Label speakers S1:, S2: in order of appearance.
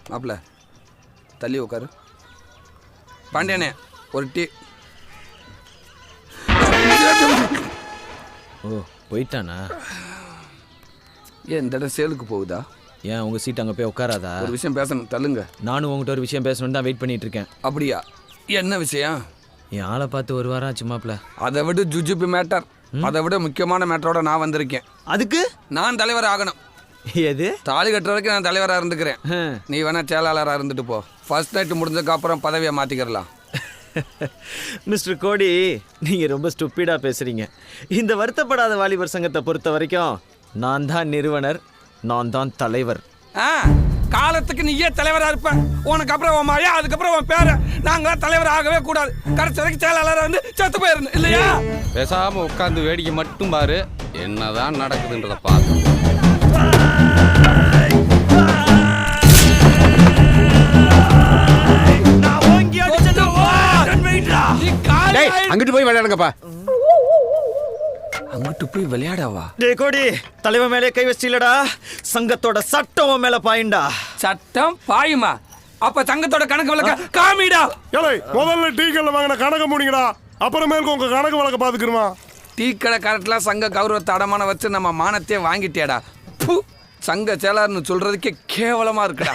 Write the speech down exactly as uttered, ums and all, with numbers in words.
S1: மாப்பிள்ள தள்ளி உட்காரு. பாண்டியனே ஒரு டீ.
S2: ஓ போயிட்டானா?
S1: ஏன் இந்த இடம் சேலுக்கு போகுதா?
S2: ஏன் உங்கள் சீட் அங்கே போய் உட்காராதா?
S1: ஒரு விஷயம் பேசணும், தள்ளுங்க.
S2: நானும் உங்கள்கிட்ட ஒரு விஷயம் பேசணுன்னு தான் வெயிட் பண்ணிட்டு இருக்கேன்.
S1: அப்படியா? என்ன விஷயம்?
S2: என் ஆளை பார்த்து ஒரு வாரம் ஆச்சுமாப்ல.
S1: அதை விட ஜுஜுபி மேட்டர், அதை விட முக்கியமான மேட்டரோட நான் வந்திருக்கேன்.
S2: அதுக்கு
S1: நான் தலைவர் ஆகணும்.
S2: எது?
S1: தாலி கட்டுற வரைக்கும் நான் தலைவராக இருந்துக்கிறேன். நீ வேணா செயலாளராக இருந்துட்டு போ. ஃபர்ஸ்ட் நைட்டு முடிஞ்சதுக்கு அப்புறம் பதவியை மாற்றிக்கிறலாம்.
S2: மிஸ்டர் கோடி, நீங்கள் ரொம்ப ஸ்டூப்பிடாக பேசுகிறீங்க. இந்த வருத்தப்படாத வாலிபர் சங்கத்தை பொறுத்த வரைக்கும் நான் தான் நிறுவனர், நான் தான் தலைவர்.
S1: ஆ காலத்துக்கு நீயே தலைவராக இருப்ப. உனக்கு அப்புறம் உன் மாயா, அதுக்கப்புறம் உன் பேர. நாங்களாம் தலைவர் ஆகவே கூடாது. கடைசி வரைக்கும் செயலாளராக வந்து செத்து போயிடணும் இல்லையா?
S3: பேசாம உட்காந்து வேடிக்கை மட்டும் பாரு, என்னதான் நடக்குதுன்றத பார்க்க.
S4: அங்கிட்டு போய் விளையாடுங்கப்பா.
S1: அங்கிட்டு போய் விளையாடவா?
S2: டே கோடி, தலைவர் மேலே கை வச்சிலடா. சங்கத்தோட சட்டம் உன் மேல பாயிண்டா.
S1: சட்டம் பாயுமா? அப்ப சங்கத்தோட கணக்கு வழக்க காமிடா.
S5: ஏலே, முதல்ல டீ கடையில் வாங்கின கணக்கு முடிங்கடா, அப்புறமேலுக்கு உங்க கணக்கு வழக்க பாத்துக்கிறோமா?
S1: டீ கடை கரெக்ட்லாம் சங்க கௌரவத்தை அடமான வச்சு நம்ம மானத்தையே வாங்கிட்டேடா. சங்க செயலாளர்னு சொல்றதுக்கே கேவலமா இருக்குடா.